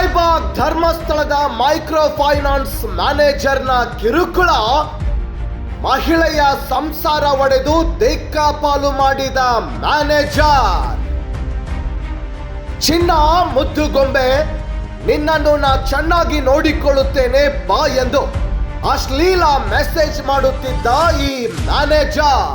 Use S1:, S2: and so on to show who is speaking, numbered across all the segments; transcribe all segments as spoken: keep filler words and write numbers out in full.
S1: ರಾಯಬಾಗ್ ಧರ್ಮಸ್ಥಳದ micro finance ಮ್ಯಾನೇಜರ್ನ ಕಿರುಕುಳ, ಮಹಿಳೆಯ ಸಂಸಾರ ಒಡೆದು ದಿಕ್ಕಾಪಾಲು ಮಾಡಿದ ಮ್ಯಾನೇಜರ್. ಚಿನ್ನ ಮುದ್ದುಗೊಂಬೆ, ನಿನ್ನನ್ನು ನಾ ಚೆನ್ನಾಗಿ ನೋಡಿಕೊಳ್ಳುತ್ತೇನೆ ಬಾ ಎಂದು ಅಶ್ಲೀಲ ಮೆಸೇಜ್ ಮಾಡುತ್ತಿದ್ದ ಈ ಮ್ಯಾನೇಜರ್.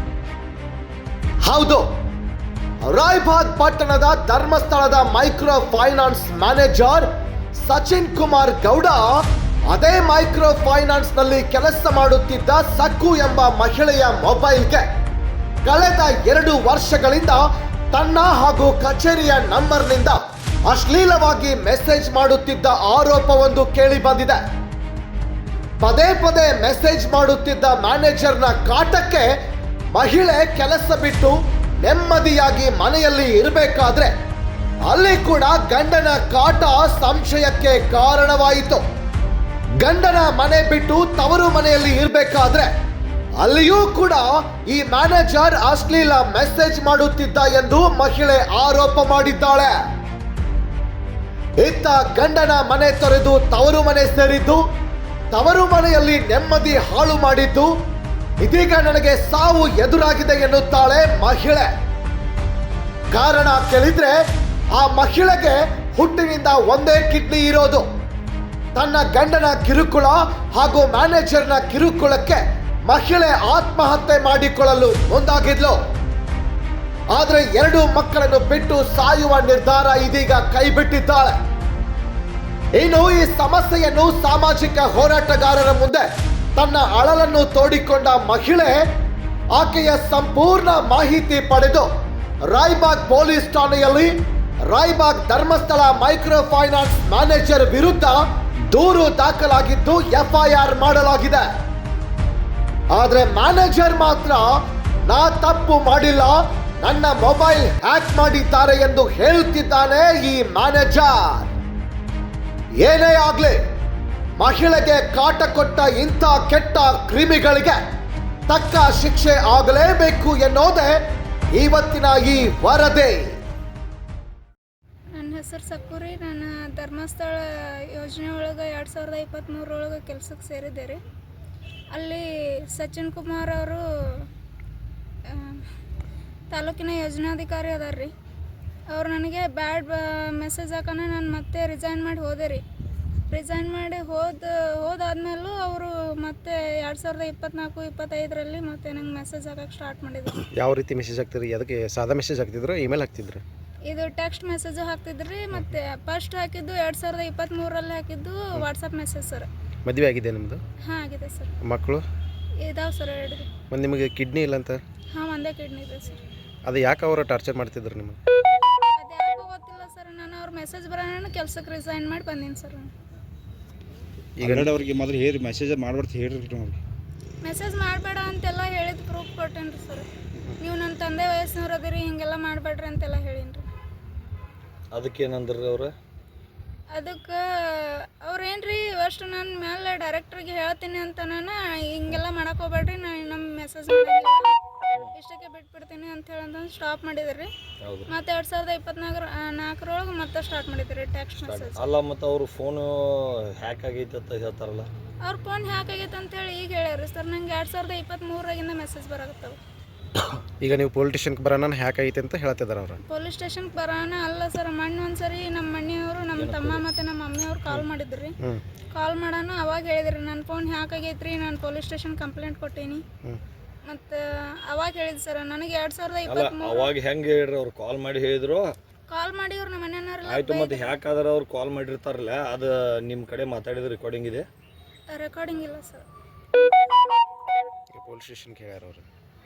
S1: ಹೌದು, ರಾಯಬಾಗ್ ಪಟ್ಟಣದ ಧರ್ಮಸ್ಥಳದ micro finance manager Sachin Kumar Gowda ಅದೇ ಮೈಕ್ರೋ ಫೈನಾನ್ಸ್ ನಲ್ಲಿ ಕೆಲಸ ಮಾಡುತ್ತಿದ್ದ ಸಕ್ಕು ಎಂಬ ಮಹಿಳೆಯ ಮೊಬೈಲ್ಗೆ ಕಳೆದ ಎರಡು ವರ್ಷಗಳಿಂದ ತನ್ನ ಹಾಗೂ ಕಚೇರಿಯ ನಂಬರ್ನಿಂದ ಅಶ್ಲೀಲವಾಗಿ ಮೆಸೇಜ್ ಮಾಡುತ್ತಿದ್ದ ಆರೋಪವೊಂದು ಕೇಳಿ ಬಂದಿದೆ. ಪದೇ ಪದೇ ಮೆಸೇಜ್ ಮಾಡುತ್ತಿದ್ದ ಮ್ಯಾನೇಜರ್ನ ಕಾಟಕ್ಕೆ ಮಹಿಳೆ ಕೆಲಸ ಬಿಟ್ಟು ನೆಮ್ಮದಿಯಾಗಿ ಮನೆಯಲ್ಲಿ ಇರಬೇಕಾದ್ರೆ ಅಲ್ಲಿ ಕೂಡ ಗಂಡನ ಕಾಟ ಸಂಶಯಕ್ಕೆ ಕಾರಣವಾಯಿತು. ಗಂಡನ ಮನೆ ಬಿಟ್ಟು ತವರು ಮನೆಯಲ್ಲಿ ಇರಬೇಕಾದ್ರೆ ಅಲ್ಲಿಯೂ ಕೂಡ ಈ ಮ್ಯಾನೇಜರ್ ಅಶ್ಲೀಲ ಮೆಸೇಜ್ ಮಾಡುತ್ತಿದ್ದ ಎಂದು ಮಹಿಳೆ ಆರೋಪ ಮಾಡಿದ್ದಾಳೆ. ಇತ್ತ ಗಂಡನ ಮನೆ ತೊರೆದು ತವರು ಮನೆ ಸೇರಿದ್ದು, ತವರು ಮನೆಯಲ್ಲಿ ನೆಮ್ಮದಿ ಹಾಳು ಮಾಡಿದ್ದು, ಇದೀಗ ನನಗೆ ಸಾವು ಎದುರಾಗಿದೆ ಎನ್ನುತ್ತಾಳೆ ಮಹಿಳೆ. ಕಾರಣ ಕೇಳಿದ್ರೆ ಆ ಮಹಿಳೆಗೆ ಹುಟ್ಟಿನಿಂದ ಒಂದೇ ಕಿಡ್ನಿ ಇರೋದು. ತನ್ನ ಗಂಡನ ಕಿರುಕುಳ ಹಾಗೂ ಮ್ಯಾನೇಜರ್ನ ಕಿರುಕುಳಕ್ಕೆ ಮಹಿಳೆ ಆತ್ಮಹತ್ಯೆ ಮಾಡಿಕೊಳ್ಳಲು ಮುಂದಾಗಿದ್ಲು. ಆದ್ರೆ ಎರಡು ಮಕ್ಕಳನ್ನು ಬಿಟ್ಟು ಸಾಯುವ ನಿರ್ಧಾರ ಇದೀಗ ಕೈಬಿಟ್ಟಿದ್ದಾಳೆ. ಇನ್ನು ಈ ಸಮಸ್ಯೆಯನ್ನು ಸಾಮಾಜಿಕ ಹೋರಾಟಗಾರರ ಮುಂದೆ ತನ್ನ ಅಳಲನ್ನು ತೋಡಿಕೊಂಡ ಮಹಿಳೆ ಆಕೆಯ ಸಂಪೂರ್ಣ ಮಾಹಿತಿ ಪಡೆದು ರಾಯಬಾಗ್ ಪೊಲೀಸ್ ಠಾಣೆಯಲ್ಲಿ Raibag Dharmasthala micro finance manager ವಿರುದ್ಧ ದೂರು ದಾಖಲಾಗಿದ್ದು ಎಫ್ಐಆರ್ ಮಾಡಲಾಗಿದೆ. ಆದ್ರೆ ಮ್ಯಾನೇಜರ್ ಮಾತ್ರ ನಾ ತಪ್ಪು ಮಾಡಿಲ್ಲ, ನನ್ನ ಮೊಬೈಲ್ ಹ್ಯಾಕ್ ಮಾಡಿದ್ದಾರೆ ಎಂದು ಹೇಳುತ್ತಿದ್ದಾನೆ ಈ ಮ್ಯಾನೇಜರ್. ಏನೇ ಆಗ್ಲಿ, ಮಹಿಳೆಗೆ ಕಾಟ ಕೊಟ್ಟ ಇಂಥ ಕೆಟ್ಟ ಕ್ರಿಮಿಗಳಿಗೆ ತಕ್ಕ ಶಿಕ್ಷೆ ಆಗಲೇಬೇಕು ಎನ್ನೋದೇ ಇವತ್ತಿನ ಈ ವರದಿ.
S2: ನನ್ನ ಹೆಸರು ಸಕ್ಕೂರಿ. ನಾನು ಧರ್ಮಸ್ಥಳ ಯೋಜನೆ ಒಳಗೆ ಎರಡು ಸಾವಿರದ ಇಪ್ಪತ್ತ್ಮೂರರೊಳಗೆ ಕೆಲಸಕ್ಕೆ ಸೇರಿದ್ದೆ ರೀ. ಅಲ್ಲಿ ಸಚಿನ್ ಕುಮಾರ್ ಅವರು ತಾಲೂಕಿನ ಯೋಜನಾಧಿಕಾರಿ ಅದಾರ ರೀ. ಅವ್ರು ನನಗೆ ಬ್ಯಾಡ್ ಮೆಸೇಜ್ ಹಾಕೋಣ ನಾನು ಮತ್ತೆ ರಿಸೈನ್ ಮಾಡಿ ಹೋದೆ ರೀ. ರಿಸೈನ್ ಮಾಡಿ ಹೋದ ಹೋದಾದ್ಮೇಲೂ ಅವರು ಮತ್ತೆ ಎರಡು ಸಾವಿರದ ಇಪ್ಪತ್ತ್ನಾಲ್ಕು ಇಪ್ಪತ್ತೈದರಲ್ಲಿ ಮತ್ತೆ ನಂಗೆ ಮೆಸೇಜ್ ಹಾಕಕ್ಕೆ ಸ್ಟಾರ್ಟ್ ಮಾಡಿದ್ರು.
S3: ಯಾವ ರೀತಿ ಮೆಸೇಜ್ ಹಾಕ್ತಿದ್ರಿ? ಅದಕ್ಕೆ ಸಾದಾ ಮೆಸೇಜ್ ಹಾಕ್ತಿದ್ರು, ಇಮೇಲ್ ಹಾಕ್ತಿದ್ರು?
S2: ಇದು ಟೆಕ್ಸ್ಟ್ ಮೆಸೇಜು ಹಾಕ್ತಿದ್ರಿ. ಮತ್ತು ಫಸ್ಟ್ ಹಾಕಿದ್ದು ಎರಡು ಸಾವಿರದ ಇಪ್ಪತ್ತ್ಮೂರರಲ್ಲಿ ಹಾಕಿದ್ದು ವಾಟ್ಸಪ್ ಮೆಸೇಜ್ ಸರ್.
S3: ಮದುವೆ ಆಗಿದೆ ನಿಮ್ಮದು?
S2: ಹಾಂ ಆಗಿದೆ ಸರ್.
S3: ಮಕ್ಕಳು
S2: ಇದಾವೆ ಸರ್, ಎರಡು.
S3: ಮತ್ತು ನಿಮಗೆ ಕಿಡ್ನಿ ಇಲ್ಲ ಅಂತ?
S2: ಹಾಂ, ಒಂದೇ ಕಿಡ್ನಿ ಇದೆ ಸರ್.
S3: ಅದು ಯಾಕೆ ಅವರು ಟಾರ್ಚರ್ ಮಾಡ್ತಿದ್ರು ನಿಮಗೆ?
S2: ಅದು ಯಾಕೋ ಗೊತ್ತಿಲ್ಲ ಸರ್. ನಾನು ಅವ್ರ ಮೆಸೇಜ್ ಬರೋಣ ಕೆಲಸಕ್ಕೆ ರಿಸೈನ್ ಮಾಡಿ ಬಂದೀನಿ ಸರ್.
S3: ಈಗ
S4: ಅವ್ರಿಗೆ ಮೊದಲು ಹೇಳಿ ಮೆಸೇಜ್ ಮಾಡ್ಬಾರ್ದು ಹೇಳ್ರಿ ಅವ್ರಿಗೆ.
S2: ಮೆಸೇಜ್ ಮಾಡಬೇಡ ಅಂತೆಲ್ಲ ಹೇಳಿದ ಪ್ರೂಫ್ ಕೊಟ್ಟೇನಿ ರೀ ಸರ್. ನೀವು ನನ್ನ ತಂದೆ ವಯಸ್ಸಿನವ್ರು ಅದಿರಿ, ಹಿಂಗೆಲ್ಲ ಮಾಡಬೇಡ್ರಿ ಅಂತೆಲ್ಲ ಹೇಳೀನಿ ರೀ.
S3: ಅದಕ್ಕೆ ಏನಂದ್ರಿ ಅವರು?
S2: ಅದಕ್ಕೆ ಅವ್ರೇನು ರೀ ಅಷ್ಟು ನನ್ನ ಮೇಲೆ ಡೈರೆಕ್ಟ್ರಿಗೆ ಹೇಳ್ತೀನಿ ಅಂತ ನಾನು ಹಿಂಗೆಲ್ಲ ಮಾಡಕ್ಕೆ ಹೋಗ್ಬೇಡ್ರಿ, ನಾನು ನಮ್ಮ ಮೆಸೇಜ್ ಮಾಡಿಲ್ಲ, ಇಷ್ಟಕ್ಕೆ ಬಿಟ್ಬಿಡ್ತೀನಿ ಅಂತ ಹೇಳಂತಂದು ಸ್ಟಾಪ್ ಮಾಡಿದ್ರಿ. ಮತ್ತೆ ಎರಡು ಸಾವಿರದ ಇಪ್ಪತ್ನಾಲ್ಕರ ನಾಲ್ಕರೊಳಗೆ ಮತ್ತೆ ಸ್ಟಾರ್ಟ್ ಮಾಡಿದ್ರಿ ಟೆಕ್ಸ್ಟ್ ಮೆಸೇಜ್.
S5: ಅಲ್ಲ, ಮತ್ತು ಅವರು ಫೋನು ಹ್ಯಾಕ್ ಆಗೈತೆ ಅಂತ ಹೇಳ್ತಾರಲ್ಲ?
S2: ಅವ್ರ ಫೋನ್ ಹ್ಯಾಕ್ ಆಗೈತೆ ಅಂತೇಳಿ ಈಗ ಹೇಳ್ಯಾರಿ ಸರ್. ನಂಗೆ ಎರಡು ಸಾವಿರದ ಇಪ್ಪತ್ತ್ಮೂರಾಗಿಂದ ಮೆಸೇಜ್ ಬರಾಕತ್ತವ.
S3: ಈಗ ನೀವು ಪೊಲೀಸ್ ಸ್ಟೇಷನ್ಗೆ ಬರೋಣ ಹ್ಯಾಕ್ ಆಗೈತೆ ಅಂತ ಹೇಳ್ತಿದ್ದಾರೆ ಅವರು?
S2: ಪೊಲೀಸ್ ಸ್ಟೇಷನ್ಗೆ ಬರೋಣ ಅಲ್ಲ ಸರ್. ಮೊನ್ನೆ ಒಂದ್ಸರಿ ನಮ್ಮ ಮನೆಯವರು, ನಮ್ಮ ತಮ್ಮ ಮತ್ತು ನಮ್ಮ ಮಮ್ಮಿಯವ್ರು ಕಾಲ್ ಮಾಡಿದ್ರಿ. ಕಾಲ್ ಮಾಡೋಣ ಅವಾಗ ಹೇಳಿದ್ರಿ ನನ್ನ ಫೋನ್ ಹ್ಯಾಕ್ ಆಗೈತ್ರಿ, ನಾನು ಪೊಲೀಸ್ ಸ್ಟೇಷನ್ ಕಂಪ್ಲೇಂಟ್ ಕೊಟ್ಟೀನಿ ಮತ್ತು ಅವಾಗ ಹೇಳಿದ್ರು ಸರ್. ನನಗೆ ಎರಡು ಸಾವಿರದ ಇಪ್ಪತ್ತ್ಮೂರು
S5: ಅವಾಗ ಹೆಂಗೆ ಹೇಳ್ರಿ? ಅವ್ರು ಕಾಲ್ ಮಾಡಿ ಹೇಳಿದ್ರು?
S2: ಕಾಲ್ ಮಾಡಿ ಅವ್ರು ನಮ್ಮ ಮನೆಯವ್ರೆಲ್ಲ
S5: ಆಯ್ತು, ಮತ್ತೆ ಹ್ಯಾಕ್ ಆದ್ರೆ ಅವ್ರು ಕಾಲ್ ಮಾಡಿರ್ತಾರಲ್ಲ, ಅದು ನಿಮ್ಮ ಕಡೆ ಮಾತಾಡಿದ ರೆಕಾರ್ಡಿಂಗ್ ಇದೆ?
S2: ರೆಕಾರ್ಡಿಂಗ್ ಇಲ್ಲ ಸರ್.
S3: ಪೊಲೀಸ್ ಸ್ಟೇಷನ್ಗೆ ಹೇಳ್ಯಾರ ಅವರು.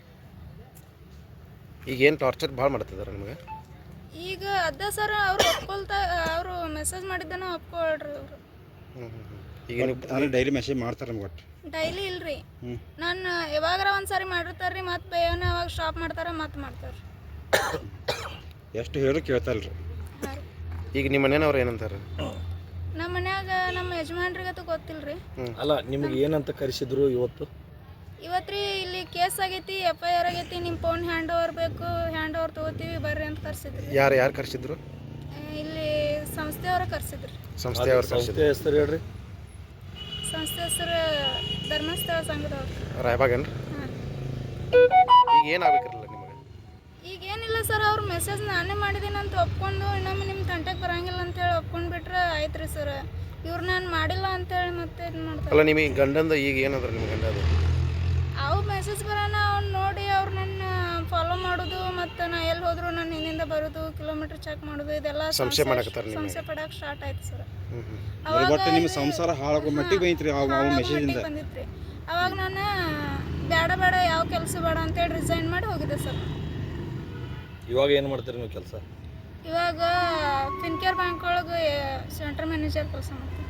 S3: ಈಗ ಏನು ಟಾರ್ಚರ್ ಭಾಳ ಮಾಡ್ತಿದ್ದಾರೆ ನಿಮಗೆ?
S2: ಈಗ ಅದ ಸರ್, ಅವ್ರು ಒಪ್ಕೊಳ್ತಾ ಅವರು ಮೆಸೇಜ್ ಮಾಡಿದ್ದನ ಒಪ್ಕೊಳ್ರಿ ಅವರು.
S3: ಹ್ಞೂ ಹ್ಞೂ ಈಗ ನೀವು
S4: ಡೈಲಿ ಮೆಸೇಜ್ ಮಾಡ್ತಾರೆ ನಮ್ಗೆ ಒಟ್ಟು?
S2: ಡೈಲಿ ಇಲ್ರಿ, ನಾನು ಯಾವಾಗಾರ ಒಂದ್ಸಾರಿ ಮಾಡಿರ್ತಾರೆ ರೀ, ಮತ್ತೆ ಬೇಯನ ಅವಾಗ ಸ್ಟಾಪ್ ಮಾಡ್ತಾರೆ, ಮತ್ತೆ ಮಾಡ್ತಾರೆ.
S4: ಎಷ್ಟು ಹೇಳಿ ಕೇಳ್ತಾರಲ್ರಿ?
S2: ಹಾಂ ರೀ.
S3: ಈಗ ನಿಮ್ಮ ಮನೆಯವ್ರು ಏನಂತಾರೆ?
S2: ನಮ್ಮ ಮನ್ಯಾಗ ನಮ್ಮ ಯಜಮಾನ್ರಿಗಂತೂ ಗೊತ್ತಿಲ್ಲ ರೀ.
S5: ಅಲ್ಲ, ನಿಮ್ಗೆ ಏನಂತ ಕರೆಸಿದ್ರು ಇವತ್ತು?
S2: ಇವತ್ತು ರೀ ಇಲ್ಲಿ ಕೇಸ್ ಆಗೈತಿ, ಎಫ್ ಐ ಆರ್ ಆಗೈತಿ, ನಿಮ್ಮ ಫೋನ್ ಹ್ಯಾಂಡ್ ಓವರ್ ಬೇಕು, ಹ್ಯಾಂಡ್ ಓವರ್ ತೊಗೋತೀವಿ ಬರ್ರಿ ಅಂತ ಕರ್ಸಿದ್ರಿ.
S3: ಯಾರು ಯಾರು ಕರ್ಸಿದ್ರು?
S2: ಇಲ್ಲಿ ಸಂಸ್ಥೆಯವ್ರ ಕರ್ಸಿದ್ರಿ
S3: ಸಂಸ್ಥೆ ಅವ್ರು
S5: ಸಂಸ್ಥೆ ಹೆಸರು ಹೇಳ್ರಿ.
S2: ಸಂಸ್ಥೆ ಹೆಸರು ಧರ್ಮಸ್ಥಳ ಸಂಘದವ್ರು.
S3: ರಾಯಬಾಗೇನ್ರಿ?
S2: ಹಾಂ.
S3: ಈಗ ಏನಾಗಬೇಕಿರಲ್ಲ ನಿಮಗೆ?
S2: ಈಗ ಏನಿಲ್ಲ ಸರ್, ಅವ್ರು ಮೆಸೇಜ್ ನಾನೇ ಮಾಡಿದ್ದೀನಿ ಅಂತ ಒಪ್ಕೊಂಡು ಇನ್ನೊಮ್ಮೆ ನಿಮ್ಮ ತಂಟೆಗೆ ಬರಂಗಿಲ್ಲ ಅಂತೇಳಿ ಒಪ್ಕೊಂಡು ಬಿಟ್ರೆ ಆಯ್ತು ರೀ ಸರ್. ಇವ್ರು ನಾನು ಮಾಡಿಲ್ಲ ಅಂತೇಳಿ ಮತ್ತೆ ಇದು ಮಾಡ್ತಾರೆ.
S3: ಅಲ್ಲ ನಿಮಗೆ ಗಂಡಂದ ಈಗ ಏನಂದ್ರೆ ನಿಮ್ಮ ಗಂಡ ಅದು
S2: ಅವು ಮೆಸೇಜ್ ಬರೋಣ ಅವ್ನು ನೋಡಿ ಅವ್ರು ನನ್ನ ಫಾಲೋ ಮಾಡೋದು ಮತ್ತು ನಾ ಎಲ್ಲಿ ಹೋದ್ರು ನನ್ನ ಹಿಂದಿಂದ ಬರೋದು, ಕಿಲೋಮೀಟರ್ ಚೆಕ್ ಮಾಡೋದು, ಇದೆಲ್ಲ
S3: ಸಂಶಯ ಮಾಡಕತ್ತಾರ ನಿಮಗೆ?
S2: ಸಂಶಯ ಪಡಕ್ಕೆ ಸ್ಟಾರ್ಟ್ ಆಯ್ತು ಸರ್.
S3: ಹ್ಞೂ ಹ್ಞೂ
S2: ಅವಾಗ
S4: ಒಟ್ಟು ನಿಮ್ಮ ಸಂಸಾರ ಹಾಳಾಗೋ ಮಟ್ಟಿಗೆ ಬೈತ್ರಿ ಆ ಮೆಸೇಜಿಂದ.
S2: ಬಂದಿತ್ತು. ಅವಾಗ ನಾನು ಬೇಡ ಬೇಡ ಯಾವ ಕೆಲಸ ಬೇಡ ಅಂತೇಳಿ ರಿಸೈನ್ ಮಾಡಿ ಹೋಗಿದ್ದೆ ಸರ್.
S5: ಇವಾಗ ಏನು ಮಾಡ್ತೀರಿ ನೀವು ಕೆಲಸ?
S2: ಇವಾಗ ಫಿನ್ಕೇರ್ ಬ್ಯಾಂಕ್ ಒಳಗೆ ಸೆಂಟ್ರ್ ಮ್ಯಾನೇಜರ್ ಕೆಲಸ ಮಾಡ್ತೀನಿ,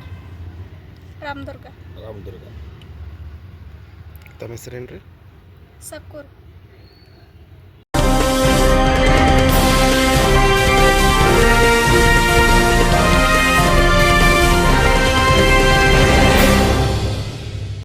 S2: ರಾಮದುರ್ಗ.
S5: ರಾಮದುರ್ಗ.
S3: ತಮ್ಮ ಹೆಸರೇನು ರೀ?
S2: ಸಕ್ಕೂರು.